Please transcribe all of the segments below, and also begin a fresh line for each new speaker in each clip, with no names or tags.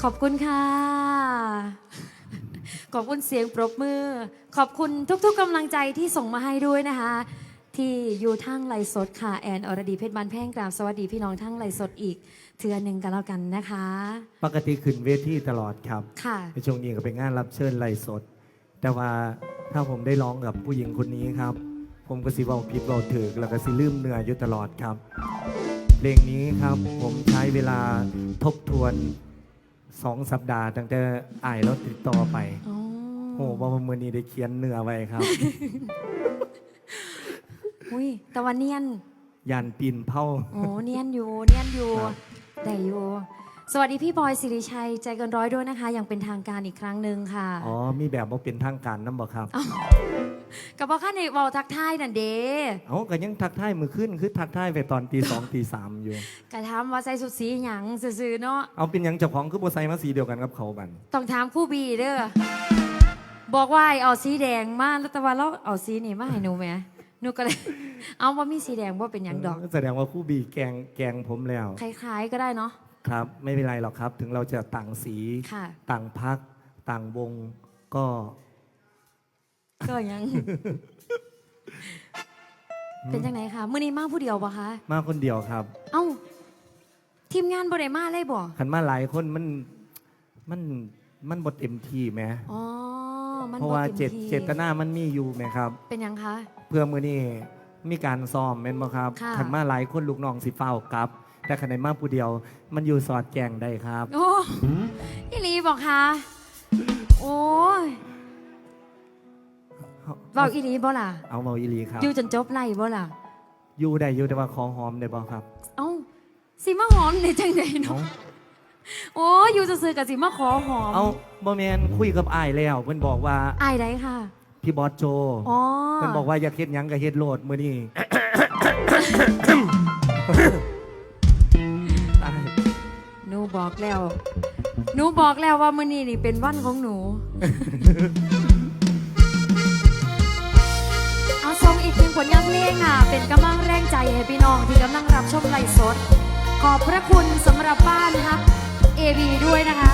อบคุณค่ะขอบคุณเสียงปรบมือขอบคุณทุกๆกำลังใจที่ส่งมาให้ด้วยนะคะที่อยู่ทั้งไลฟ์สดค่ะแอนอรดีเพชรบานแพงกราบสวัสดีพี่น้องทั้งไลฟ์สดอีกเทือหนึ่งกันแล้วกันนะคะ
ปกติขึ้นเวทีตลอดครับ
ค่ะ
ในช่วงนี้ก็เป็นงานรับเชิญไลฟ์สดแต่ว่าถ้าผมได้ร้องกับผู้หญิงคนนี้ครับผมก็สิเว้าผิดเว้าถูกแล้วก็สิลืมเนื้ออยู่ตลอดครับเพลงนี้ครับผมใช้เวลาทบทวน2 สัปดาห์ตั้งแต่อ่ายแล้วติดต่อไปโอ้ว่าเมื่อนี้ได้เขียนเนื้อไว้ครับ
อุ้ยแต่วันเนียน
ยันปีนเผา
โอ้เนียนอยู่ได้อยู่สวัสดีพี่บอยสิริชัยใจเกินร้อยด้วยนะคะอย่างเป็นทางการอีกครั้งหนึ่งค่ะ
อ๋อมีแบบว่าเป็นทางการน้ำบ่ครับ
กับพ่อข้าในวอลทักทายนั่นเด้
เอาก็ยังทักทายมือขึ้นคือทักทายไปตอนตี 2 ตี 3อยู่
กะถามว่าใส่สุดสีหยังซื่อๆเนาะ
เอาเป็นยังเจ้าของคือโบไซมาสีเดียวกันกับเขาบัน
ต้องถามคู่บีเด้อบอกว่าเอาสีแดงมาแล้วแต่ว่าเราเอาสีนี่มาให้หนูไหมหนูก็เลยเอาว่ามีสีแดงว่าเป็นยังดอก
แสดงว่าคู่บีแกงผมแล้ว
คล้ายๆก็ได้เนาะ
ครับไม่เป็นไรหรอกครับถึงเราจะต่างสีต่างพักต่างวงก็
ยัง เป็นจังไหนคะมื้อนี้มาผู้เดียวปะคะ
มาคนเดียวครับ
เอ้าทีมงานบ่ได้มาเลยบ่
ขันมาหลายคนมันบทเต็มที่ไหม
อ๋อ
เพราะว่าเจตนามันมีอยู่ไหมครับ
เป็นยังคะ
เพื่อมื้อนี้มีการซ้อมแม่นบ่ครับขันมาหลายคนลูกน้องสิเฝ้ากับแต่ขันในมาผู้เดียวมันอยู่สอดแจงได้ครับ
โอ้อีหลีบอกคะโอ้ยบอกอีหลีบ่ล่ะ
เอาเมาอีหลีครับ
อยู่จนจบไล่บ่ล่ะ
อยู่ได้อยู่แต่ว่าขอหอมได้บ่ครับ
เอ้าสิมาหอมในจังไดเนาะโอ้อยู่ซื่อๆกับสิมาขอหอม
เอาบ่แม่นคุยกับอ้ายแล้วเพิ่นบอกว่า
อ้ายใดค่ะ
พี่บอสโจเพิ่นบอกว่าอยากเฮ็ดหยังก็เฮ็ดโลดมื้อนี้
หนูบอกแล้วว่ามื้อนี้นี่เป็นวันของหนูเอาส่งอีกหนึ่งผลงานเพลงค่ะเป็นกำลังแรงใจให้พี่น้องที่กำลังรับชมไลฟ์สดขอบพระคุณสำหรับบ้านฮักABด้วยนะคะ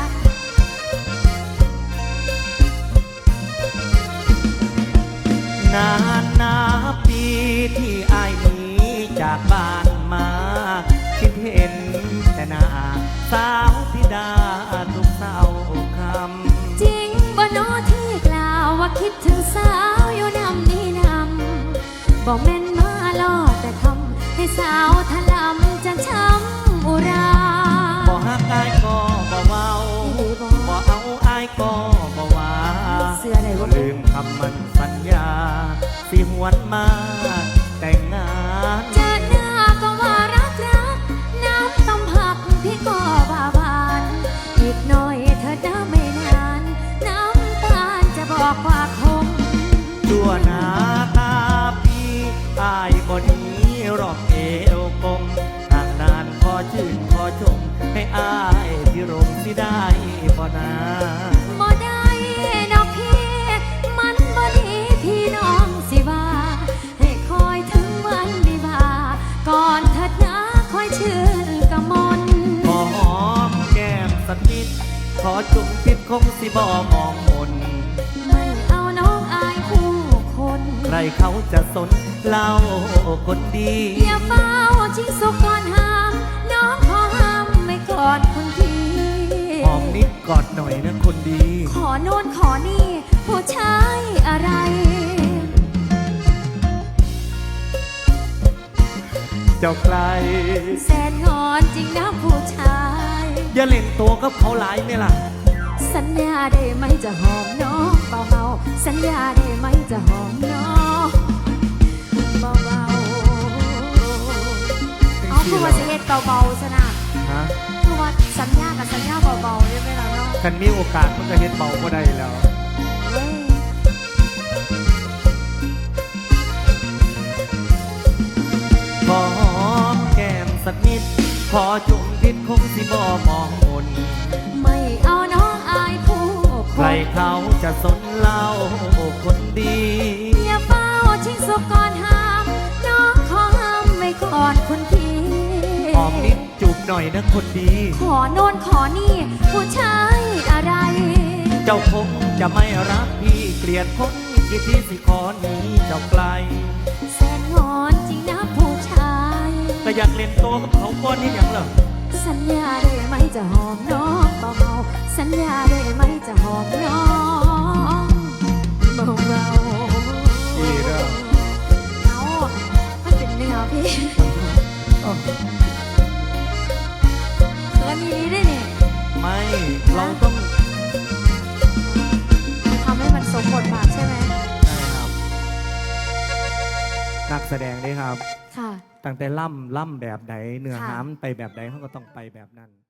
นานนับปีที่อ้ายหนีจากบ้านมาคิดเห็นแต่หน้าสาวธิดาทุกเศร้าคำ
จริงบ่โนที่กล่าวว่าคิดถึงสาวอยู่นำนี่นำบอกแม่นมาลอดแต่ทำให้สาวทะลำจันช้ำอุรา
บ่ฮักอ้ายก็บ่เว้าบ่เอาอ้ายก็บ่ว่า
เสื้อไหนว่า
ลืมคำมันสัญญาสิหวนมาแต่งงาน
เจอหน้าก็ว่ารักน้ำต้มผักพี่ก็บาบานอีกหน่อยเธอจะไม่นานน้ำตาลจะบอกว่าคง
ชั่วหน้าตาพี่อายบ่หนีรอบเอวกลมทางนานขอชื่นขอชมให้อายพี่รมสิได้บ่นา
บ่ได้ดอกพี่มันบ่ดีพี่น้องสิว่าให้คอยถึงวันวิวาก่อนเถิดนะคอยชื่นกะมน
ขอหอมแก้มสักนิดขอจุ่มพิษคงสิบ่มองมน
ไม่เอาน้องอายผู้คน
ใครเขาจะสนเล่าคนดี
อย่าเฝ้าชิงสุกก่อนห้ามน้องขอห้ามไม่กอดคนที
หอมนิดกอดหน่อยนะคนดี
ขอโน่นขอนี่ผู้ชายอะไร
เจ้าใคร
แสนงอนจริงนะผู้ชาย
อย่าเล่นตัวกับเขาหลายเนี่ยล่ะ
สัญญาได้ไหมจะหอมน้องเบาๆสัญญาได้ไหมจะหอมน้องเบาๆเอาคือว่าจะเฮ็ดเบาๆซะนะคือว่าสัญญากับสัญญาเบาๆได้ไหมล่ะเนาะ
คันมีโอกาสมันก็เฮ็ดเบาก็ได้แล้วขอหอมแก้มสักนิดขอจุ่มพิษคงสิบ่มองมน
ไม่เอาน้องอายผู้
ใครเขาจะสนเล่าคนดี
อย่าเฝ้าชิงสุกก่อนห้ามน้องขอห้ามไม่ก่อนคนที
หอมนิดจูบหน่อยนะคนดี
ขอโน่นขอนี่ผู้ชาย
เจ้าคงจะไม่รักพี่เกลียดคนที่ที่สิขอหนีเจ้าไกล
แสนงอนจริงนะผู้ชาย
แต่อยากเล่นโตกับเขาก้อนนี่อย่างเหรอ
สัญญาได้ไหมจะหอมน้องเบาๆสัญญาได้ไหมจะหอมน้องเบาๆ
ดีเด้อ
เอามันเป็นเนื้อพี่
อ้อ
เขินนี้ได้เนี่ย
ไม่เราต้อง
ทำให้มันสมบทบาทใช่ไหม
ใช่ครับนักแสดงนี่ครับ
ค่ะ
ตั้งแต่ล่ำแบบไหนเนื้อ
ค่ะ
หามไปแบบไหนเขาก็ต้องไปแบบนั้น